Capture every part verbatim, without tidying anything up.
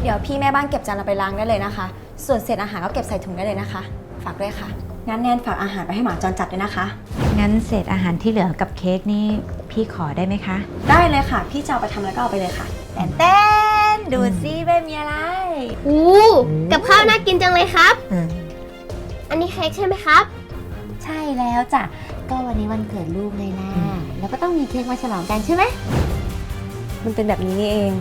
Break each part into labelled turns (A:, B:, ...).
A: เดี๋ยวพี่แม่บ้านเก็บจานเราไปล้างได้เลยนะคะส่วนเศษอาหารก็เก็บใส่ถุงได้เลยนะคะฝากด้วยค่ะงั้นแนนฝากอาหารไปให้หมาจรจัดด้วยนะคะ
B: งั้นเศษอาหารที่เหลือกับเค้กนี่พี่ขอได้ไหมคะ
A: ได้เลยค่ะพี่จะเอาไปทำแล้วก็เอาไปเลยค่ะแตนเต้นดูซิแม่มีอะไร
C: อู้กับข้าวน่ากินจังเลยครับอันนี้เค้กใช่ไหมครับ
B: ใช่แล้วจ้ะก็วันนี้วันเกิดลูกเลยนะแล้วก็ต้องมีเค้กมาฉลองกันใช่ไหม
A: มันเป็นแบบนี้นี่เอง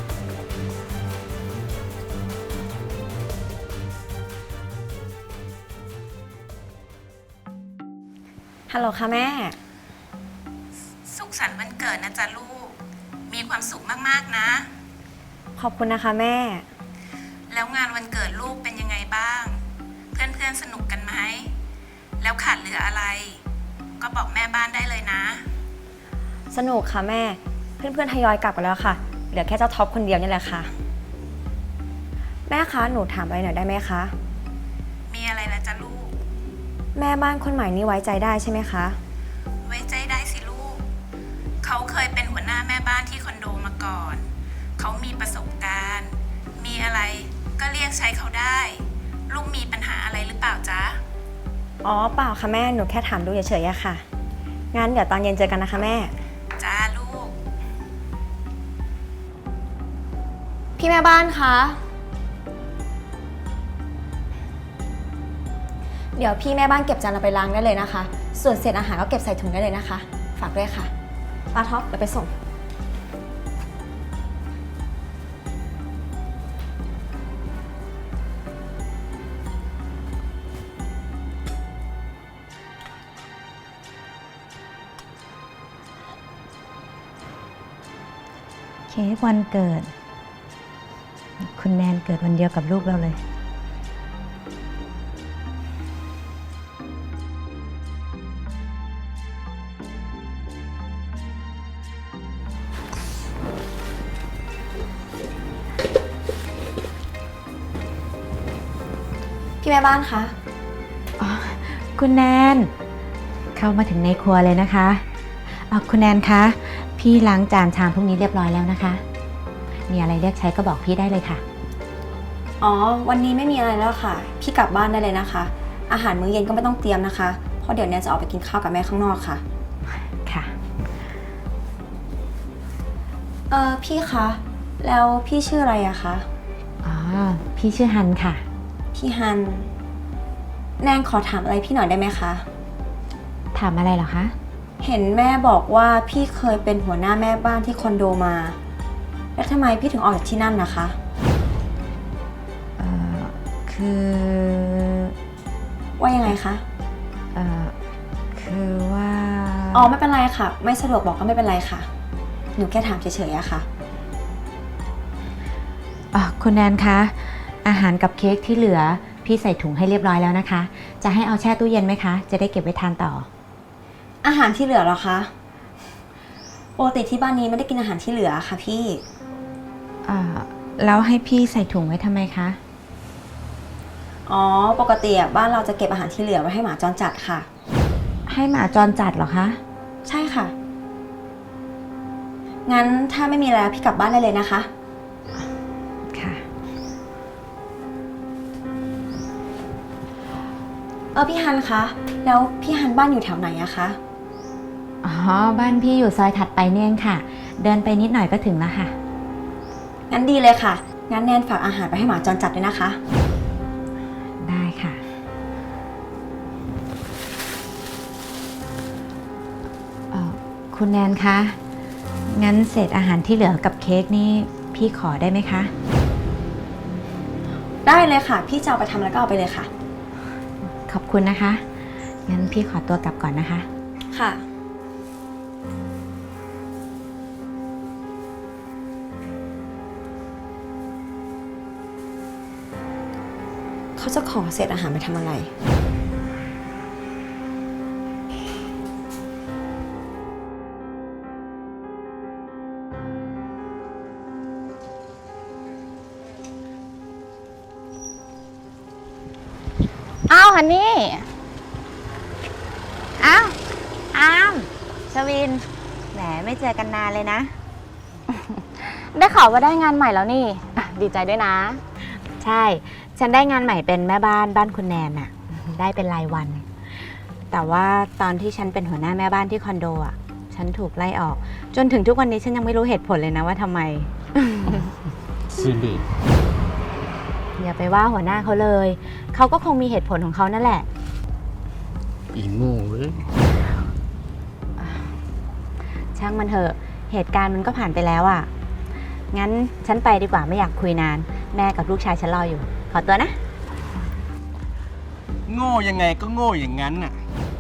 A: ฮัลโหลค่ะแม่
D: สุขสันต์วันเกิดนะจ๊ะลูกมีความสุขมากๆนะ
A: ขอบคุณนะคะแม่
D: แล้วงานวันเกิดลูกเป็นยังไงบ้างเพื่อนๆสนุกกันไหมแล้วขาดเหลืออะไรก็บอกแม่บ้านได้เลยนะ
A: สนุกค่ะแม่เพื่อนๆทยอยกลับกันแล้วค่ะเหลือแค่เจ้าท็อปคนเดียวนี่แหละค่ะแม่คะหนูถามอะไรหน่อยได้ไหมคะ
D: มีอะไรล่ะจ๊ะลูก
A: แม่บ้านคนใหม่นี่ไว้ใจได้ใช่ไหมคะ
D: ไว้ใจได้สิลูกเขาเคยเป็นหัวหน้าแม่บ้านที่คอนโดมาก่อนเขามีประสบการณ์มีอะไรก็เรียกใช้เขาได้ลูกมีปัญหาอะไรหรือเปล่าจ๊ะ
A: อ๋อเปล่าค่ะแม่หนูแค่ถามดูเฉยๆอะค่ะงั้นเดี๋ยวตอนเย็นเจอกันนะคะแม่
D: จ้าลูก
A: พี่แม่บ้านคะเดี๋ยวพี่แม่บ้านเก็บจานเราไปล้างได้เลยนะคะส่วนเศษอาหารก็เก็บใส่ถุงได้เลยนะคะฝากด้วยค่ะป้าท็อปเดี๋ยวไปส่ง
B: เค้กวันเกิดคุณแนนเกิดวันเดียวกับลูกเราเลย
A: พี่แม่บ้านคะ
B: อ๋อคุณแนนเข้ามาถึงในครัวเลยนะคะอ๋อคุณแนนคะพี่ล้างจานชามพวกนี้เรียบร้อยแล้วนะคะมีอะไรเรียกใช้ก็บอกพี่ได้เลยค่ะ
A: อ๋อวันนี้ไม่มีอะไรแล้วค่ะพี่กลับบ้านได้เลยนะคะอาหารมื้อเย็นก็ไม่ต้องเตรียมนะคะเพราะเดี๋ยวแนนจะออกไปกินข้าวกับแม่ข้างนอกค่ะ
B: ค่ะ
A: เออพี่คะแล้วพี่ชื่ออะไรอะคะ
B: อ๋อพี่ชื่อฮันค่ะ
A: พี่ฮันแนนขอถามอะไรพี่หน่อยได้ไหมคะ
B: ถามอะไรเหรอคะ
A: เห็นแม่บอกว่าพี่เคยเป็นหัวหน้าแม่บ้านที่คอนโดมาแล้วทำไมพี่ถึงออกจากที่นั่นนะคะ
B: เอ่อคือ
A: ว่ายังไงคะ
B: เอ่อคือว่า
A: อ๋อไม่เป็นไรค่ะไม่สะดวกบอกก็ไม่เป็นไรค่ะหนูแค่ถามเฉยๆอะค่ะ
B: อ๋อคุณแนนคะอาหารกับเค้กที่เหลือพี่ใส่ถุงให้เรียบร้อยแล้วนะคะจะให้เอาแช่ตู้เย็นไหมคะจะได้เก็บไว้ทานต่อ
A: อาหารที่เหลือเหรอคะปกติที่บ้านนี้ไม่ได้กินอาหารที่เหลือค่ะพี่
B: อ่าแล้วให้พี่ใส่ถุงไว้ทำไมคะ
A: อ๋อปกติบ้านเราจะเก็บอาหารที่เหลือไว้ให้หมาจรจัดค่ะ
B: ให้หมาจรจัดเหรอคะ
A: ใช่ค่ะงั้นถ้าไม่มีแล้วพี่กลับบ้านได้เลยนะคะ
B: ค่ะ
A: เออพี่ฮันคะแล้วพี่ฮันบ้านอยู่แถวไหนอะคะ
B: อ๋อบ้านพี่อยู่ซอยถัดไปเนี่ยค่ะเดินไปนิดหน่อยก็ถึงแล้วค่ะ
A: งั้นดีเลยค่ะงั้นแนนฝากอาหารไปให้หมาจรจัดด้วยนะคะ
B: ได้ค่ะเอ่อคุณแนนคะงั้นเศษอาหารที่เหลือกับเค้กนี่พี่ขอได้ไหมคะ
A: ได้เลยค่ะพี่จะเอาไปทำแล้วก็เอาไปเลยค่ะ
B: ขอบคุณนะคะงั้นพี่ขอตัวกลับก่อนนะคะ
A: ค่ะเขาจะขอเศษอาหารไปทำอะไร
E: อ้าวฮันนี่อ้าวอ้ามชวินแหมไม่เจอกันนานเลยนะ
C: ได้ข่าวว่าได้งานใหม่แล้วนี่
E: ดีใจด้วยนะ
B: ใช่ ฉันได้งานใหม่เป็นแม่บ้านบ้านคุณแนนอะได้เป็นรายวัน แต่ว่าตอนที่ฉันเป็นหัวหน้าแม่บ้านที่คอนโดอะฉันถูกไล่ออก จนถึงทุกวันนี้ฉันยังไม่รู้เหตุผลเลยนะว่าทำไม
F: ซิริ
B: อย่าไปว่าหัวหน้าเขาเลย เขาก็คงมีเหตุผลของเขานั่นแหละ
F: อีโง่เว้ย
B: ช่างมันเถอะ เหตุการณ์มันก็ผ่านไปแล้วอะงั้นฉันไปดีกว่าไม่อยากคุยนาน แม่กับลูกชายฉันรออยู่ ขอตัวนะ
F: โง่ยังไงก็โง่อย่างนั้นน่ะ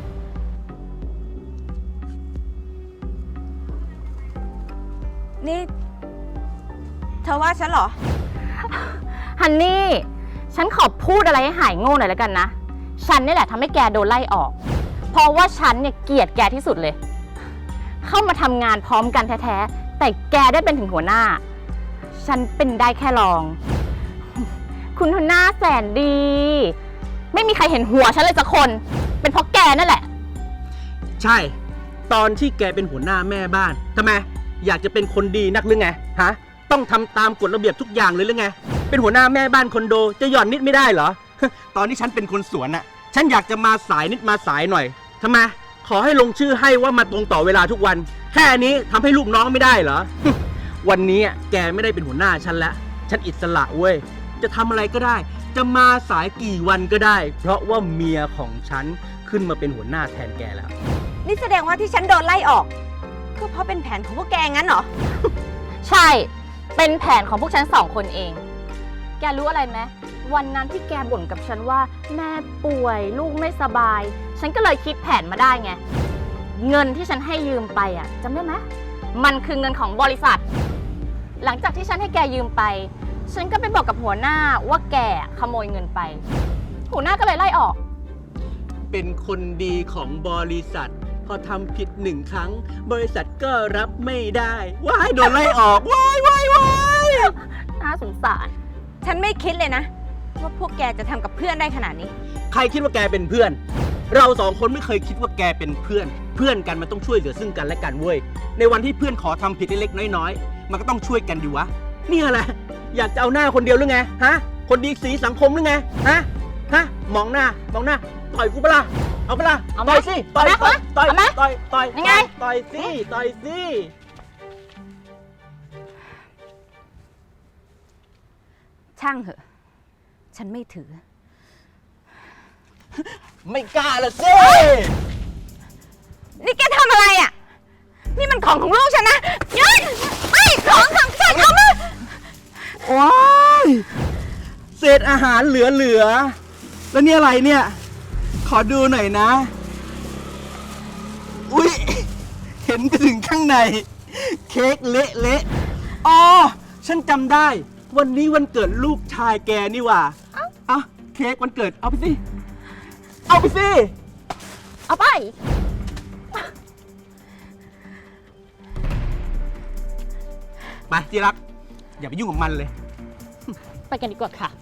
B: นี่ เธอว่าฉันเหรอ
E: ฮันนี่ ฉันขอพูดอะไรให้หายโง่หน่อยแล้วกันนะ ฉันนี่แหละทำให้แกโดนไล่ออก เพราะว่าฉันเนี่ยเกลียดแกที่สุดเลย เข้ามาทำงานพร้อมกันแท้ๆ แต่แกได้เป็นถึงหัวหน้า ฉันเป็นได้แค่รอง คุณหัวหน้าแสนดี ไม่มีใครเห็นหัวฉันเลยสักคน เป็นเพราะแกนั่นแหละ
F: ใช่ ตอนที่แกเป็นหัวหน้าแม่บ้านทำไม อยากจะเป็นคนดีนักหรือไง ฮะ ต้องทำตามกฎระเบียบทุกอย่างเลยหรือไง เป็นหัวหน้าแม่บ้านคอนโดจะหย่อนนิดไม่ได้เหรอ ตอนที่ฉันเป็นคนสวนน่ะ ฉันอยากจะมาสายนิดมาสายหน่อยทำไม ขอให้ลงชื่อให้ว่ามาตรงต่อเวลาทุกวัน แค่นี้ทำให้ลูกน้องไม่ได้เหรอ วันนี้แกไม่ได้เป็นหัวหน้าฉันแล้ว ฉันอิสระเว้ย จะทำอะไรก็ได้ จะมาสายกี่วันก็ได้ เพราะว่าเมียของฉันขึ้นมาเป็นหัวหน้าแทนแกแล้ว
B: นี่แสดงว่าที่ฉันโดนไล่ออกก็เพราะเป็นแผนของพวกแกงั้นเหรอ
E: ใช่ เป็นแผนของพวกฉันสองคนเอง แกรู้อะไรไหมวันนั้นที่แกบ่นกับฉันว่าแม่ป่วยลูกไม่สบาย ฉันก็เลยคิดแผนมาได้ไง เงินที่ฉันให้ยืมไปอ่ะจำได้ไหมมันคือเงินของบริษัท หลังจากที่ฉันให้แกยืมไป ฉันก็ไปบอกกับหัวหน้าว่าแกขโมยเงินไป หัวหน้าก็เลยไล่ออก
F: เป็นคนดีของบริษัท พอทำผิดหนึ่งครั้ง บริษัทก็รับไม่ได้ว้ายโดนไล่ออกว้ายว้ายว้าย
E: น่าสงสาร
B: ฉันไม่คิดเลยนะ ว่าพวกแกจะทำกับเพื่อนได้ขนาดนี้
F: ใครคิดว่าแกเป็นเพื่อน เราสองคนไม่เคยคิดว่าแกเป็นเพื่อน เพื่อนกันมันต้องช่วยเหลือซึ่งกันและกันเว้ย ในวันที่เพื่อนขอทำผิดเล็กๆน้อยๆมันก็ต้องช่วยกันดีวะเนี่ยแหละอยากจะเอาหน้าคนเดียวหรือไงฮะคนดีสีสังคมหรือไงฮะฮะมองหน้ามองหน้าต่อยกูปะล่ะเอาปะล่ะ
E: เอาไหม
F: ต่อยสิต่อย
E: เอาไหม
F: ต่อย
E: เอาไหม
F: ต่อยต่อย
E: ยังไง
F: ต่อยสิต่อยสิ
B: ช่างเถอะ ฉันไม่ถือ
F: ไม่กล้าละสิ
B: นี่แกทำอะไรอ่ะ นี่มันของของลูกฉันนะยืนไม่ของของฉันเอามา
F: ว้ายเศษอาหารเหลือเหลือๆแล้วนี่อะไรเนี่ย ขอดูหน่อยนะ อุ๊ย เห็นไปถึงข้างใน เค้กเละเละๆอ๋อ ฉันจำได้ วันนี้วันเกิดลูกชายแกนี่หว่า เอ้าเค้กวันเกิด เอาไปสิ เอาไปสิ
E: เอาไป
F: ไปที่รัก อย่าไปยุ่งกับมันเลย
E: ไปกันดีกว่าค่ะ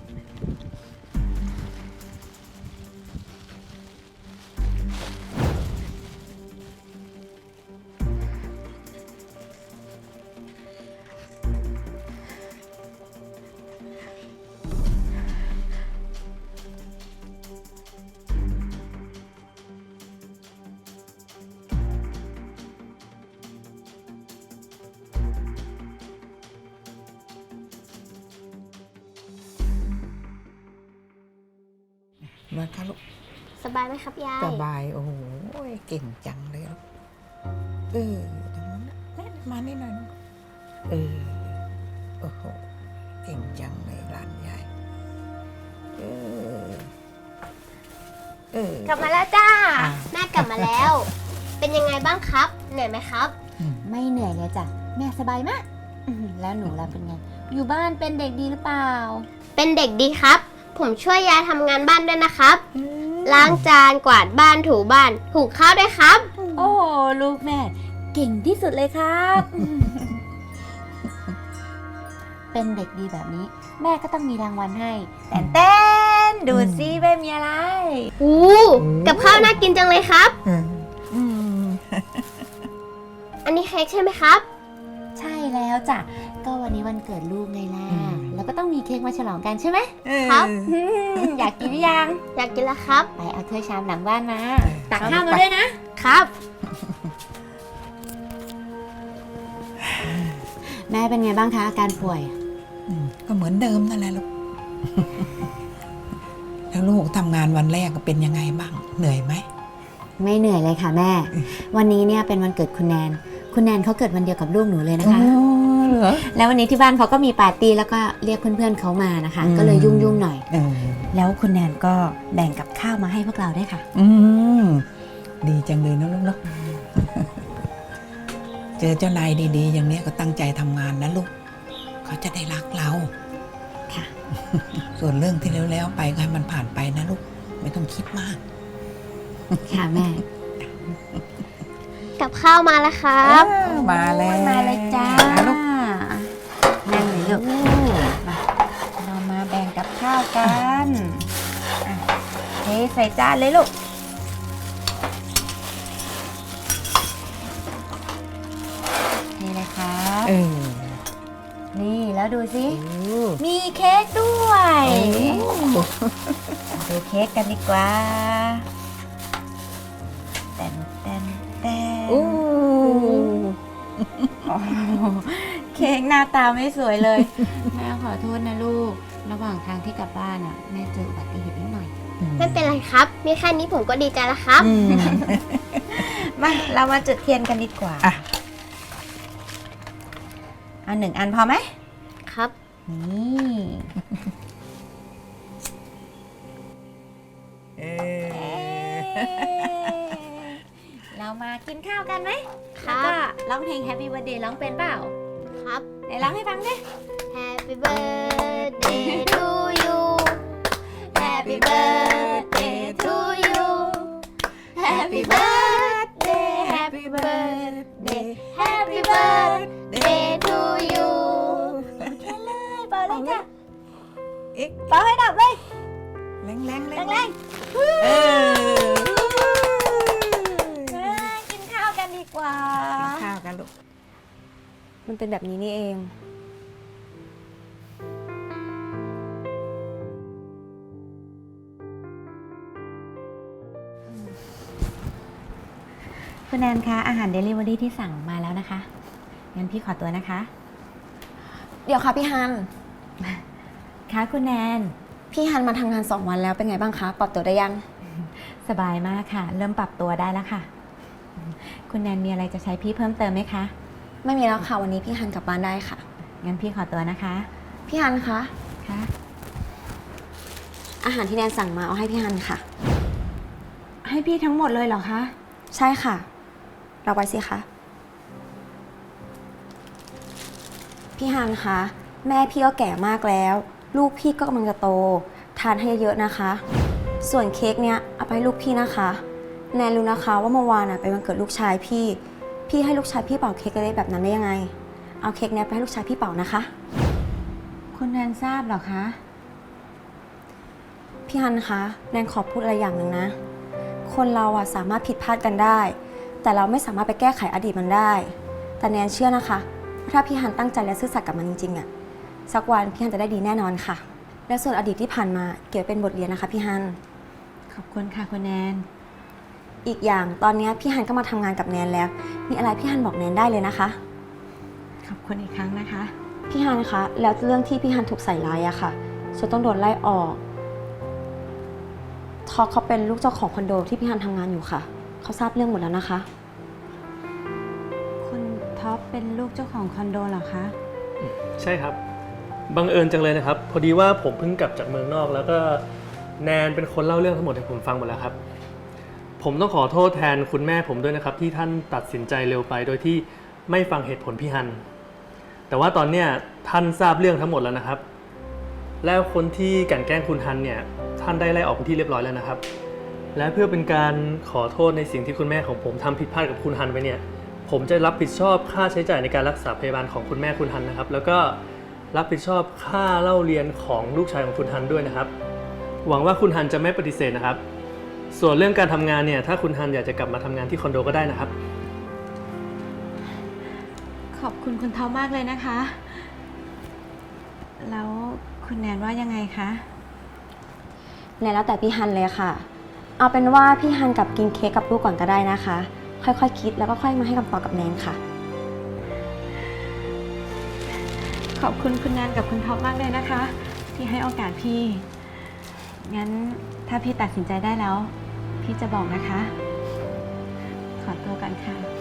G: มาค่ะลูก
C: สบายไหมครับยาย
G: สบาย โอ้โหเก่งจังเลยลูกเออตรงนั้นนะแม่มานี่หน่อยลูกเออโอ้โหเก่งจังเลยหลานยายเออเออก
C: ลับมาแล้วจ้า
G: อ่ะ
C: แม่กลับมาแล้ว เป็นยังไงบ้างครับ เหนื่อยไหมครับ
B: ไม่เหนื่อยเลยจ้ะ แม่สบายมากอื้อหือแล้วหนูล่ะเป็นไง อยู่บ้านเป็นเด็กดีหรือเปล่า
C: เป็นเด็กดีครับ ผมช่วยยายทำงานบ้านด้วยนะครับ ล้างจานกวาดบ้านถูบ้านหุงข้าวด้วยครับ
B: โอ้ลูกแม่ เก่งที่สุดเลยครับ เป็นเด็กดีแบบนี้ แม่ก็ต้องมีรางวัลให้แต่เต้นดูซิแม่มีอะไร
C: อู้กับข้าวน่ากินจังเลยครับ
G: อืม
B: อืม
C: อันนี้เค้กใช่ไหมครับ
B: ใช่แล้วจ้ะก็วันนี้วันเกิดลูกไงล่ะ
G: อืม
B: แล้วก็ต้องมีเค้กมาฉลองกันใช่ไหม
C: ครับ
B: อืมอยากกินหรือยัง
C: อยากกินแล้วครับ
B: ไปเอาถ้วยชามหลังบ้านมา
G: เออ
B: ตักข้าวมาด้วยนะ
C: ครับ
B: แม่เป็นไงบ้างคะอาการป่วย
G: อืมก็เหมือนเดิมนั่นแหละลูก แล้วลูกทำงานวันแรกก็เป็นยังไงบ้าง เหนื่อยไหม
B: ไม่เหนื่อยเลยค่ะแม่ วันนี้เนี่ยเป็นวันเกิดคุณแนน คุณแนนเขาเกิดวันเดียวกับลูกหนูเลยนะคะ
G: เหรอ
B: แล้ววันนี้ที่บ้านเขาก็มีปาร์ตี้แล้วก็เรียกเพื่อนๆเขามานะคะ
G: อืม
B: ก็เลยยุ่งๆหน่อย
G: เออ
B: แล้วคุณแนนก็แบ่งกับข้าวมาให้พวกเราด้วยค่ะ
G: อืมดีจังเลยนะลูกเนาะ เจอเจ้านายดีๆ อย่างเนี้ยก็ตั้งใจทำงานนะลูก เขาจะได้รักเรา
B: ค่ะ
G: ส่วนเรื่องที่แล้วๆไปก็ให้มันผ่านไปนะลูก ไม่ต้องคิดมาก
B: ค่ะแม่
C: กับข้าวมาแล้วครับ
G: เออมาแล้ว
B: มาเลยจ้า
G: อ่ะลูก
B: นั่งเลยลูกมาเรามาแบ่งกับข้าวกันอ่ะเทใส่จานเลยลูก นี่เลยครับ
G: เออ
B: นี่แล้วดูสิ
G: โอ้
B: มีเค้กด้วย ดูเค้กกันดีกว่าแตนแตนแตน
G: โอ้
B: โอ้โหเค้กหน้าตาไม่สวยเลย แม่ขอโทษนะลูก ระหว่างทางที่กลับบ้านอ่ะแม่เจออุบัติเหตุนิดหน่อย
C: ไม่เป็นไรครับ มีแค่นี้ผมก็ดีใจแล้วครับ
G: อืม
B: มาเรามาจุดเทียนกันดีกว่า
G: อ่ะ
B: เอาหนึ่งอันพอไหม
C: ครับ
B: นี่
G: เออ
B: เรามากินข้าวกันไหม
C: ค
B: แล้ว
C: รั
B: ก็
C: บ
B: ร้องเพลง Happy Birthday ร้องเป็นเปล่า
C: ครับ
B: ไหนร้องให้ฟังดิ
C: Happy birthday to you Happy birthday to you Happy birthday Happy birthday Happy birthday to you
B: เป่าเลยจ้ะ
G: เอ๊ะ
B: เป่าให้ดับเลย
G: แรงๆแรงแรง
B: แรง
G: เออ
B: ๆอ่ากินข้าวกันดีกว่า
G: กินข้าวกันลูก
A: มันเป็นแบบนี้นี่เอง
B: คุณแนนคะอาหารเดลิเวอรี่ที่สั่งมาแล้วนะคะ งั้นพี่ขอตัวนะคะ
A: เดี๋ยวค่ะพี่ฮัน
B: ค่ะคุณแนน
A: พี่ฮันมาทำงานสองวันแล้วเป็นไงบ้างคะ ปรับตัวได้ยัง
B: สบายมากค่ะ เริ่มปรับตัวได้แล้วค่ะ คุณแนนมีอะไรจะใช้พี่เพิ่มเติมไหมคะ
A: ไม่มีแล้วค่ะ วันนี้พี่ฮันกลับบ้านได้ค่ะ
B: งั้นพี่ขอตัวนะคะ
A: พี่ฮันคะ
B: ค่ะ
A: อาหารที่แนนสั่งมาเอาให้พี่ฮันค่ะ
B: ให้พี่ทั้งหมดเลยเหรอคะ
A: ใช่ค่ะ เราไปสิคะ พี่ฮันคะ แม่พี่ก็แก่มากแล้ว ลูกพี่ก็กำลังจะโต ทานให้เยอะๆนะคะ ส่วนเค้กเนี้ยเอาไปให้ลูกพี่นะคะ แนนรู้นะคะว่าเมื่อวานน่ะเป็นวันเกิดลูกชายพี่ พี่ให้ลูกชายพี่เป่าเค้กได้แบบนั้นได้ยังไง เอาเค้กเนี้ยไปให้ลูกชายพี่เป่านะคะ
B: คุณแนนทราบเหรอคะ
A: พี่ฮันคะ แนนขอพูดอะไรอย่างหนึ่งนะ คนเราอะสามารถผิดพลาดกันได้ แต่เราไม่สามารถไปแก้ไขอดีตมันได้ แต่แนนเชื่อนะคะว่าถ้าพี่ฮันตั้งใจและซื่อสัตย์กับมันจริงๆอะสักวันพี่ฮันจะได้ดีแน่นอนค่ะ และส่วนอดีตที่ผ่านมาเก็บเป็นบทเรียนนะคะพี่ฮัน
B: ขอบคุณค่ะคุณแนน
A: อีกอย่างตอนนี้พี่ฮันก็มาทำงานกับแนนแล้ว มีอะไรพี่ฮันบอกแนนได้เลยนะคะ
B: ขอบคุณอีกครั้งนะคะ
A: พี่ฮันคะ แล้วเรื่องที่พี่ฮันถูกใส่ร้ายอะค่ะจนต้องโดนไล่ออกทอเขาเป็นลูกเจ้าของคอนโดที่พี่ฮันทำงานอยู่ค่ะ เขาทราบเรื่องหมดแล้วนะคะ
B: คุณท็อปเป็นลูกเจ้าของคอนโดเหรอคะ
H: ใช่ครับ บังเอิญจังเลยนะครับ พอดีว่าผมเพิ่งกลับจากเมืองนอก แล้วก็แนนเป็นคนเล่าเรื่องทั้งหมดให้ผมฟังหมดแล้วครับ ผมต้องขอโทษแทนคุณแม่ผมด้วยนะครับ ที่ท่านตัดสินใจเร็วไป โดยที่ไม่ฟังเหตุผลพี่ฮัน แต่ว่าตอนเนี้ยท่านทราบเรื่องทั้งหมดแล้วนะครับ แล้วคนที่กลั่นแกล้งคุณฮันเนี่ยท่านได้ไล่ออกเป็นที่เรียบร้อยแล้วนะครับ และเพื่อเป็นการขอโทษในสิ่งที่คุณแม่ของผมทำผิดพลาดกับคุณฮันไปเนี่ย ผมจะรับผิดชอบค่าใช้จ่ายในการรักษาพยาบาลของคุณแม่คุณฮันนะครับ แล้วก็รับผิดชอบค่าเล่าเรียนของลูกชายของคุณฮันด้วยนะครับ หวังว่าคุณฮันจะไม่ปฏิเสธนะครับ ส่วนเรื่องการทำงานเนี่ยถ้าคุณฮันอยากจะกลับมาทำงานที่คอนโดก็ได้นะครับ
B: ขอบคุณคุณท็อปมากเลยนะคะแล้วคุณแนนว่ายังไงคะ
A: แนนแล้วแต่พี่ฮันเลยค่ะ เอาเป็นว่าพี่ฮันกับกินเค้กกับลูกก่อนก็ได้นะคะ ค่อยๆ คคิดแล้วก็ค่อยมาให้คำตอบกับแนนค่ะ
B: ขอบคุณคุณแนนกับคุณท็อปมากเลยนะคะ ที่ให้โอกาสพี่ งั้นถ้าพี่ตัดสินใจได้แล้ว พี่จะบอกนะคะ ขอตัวกันค่ะ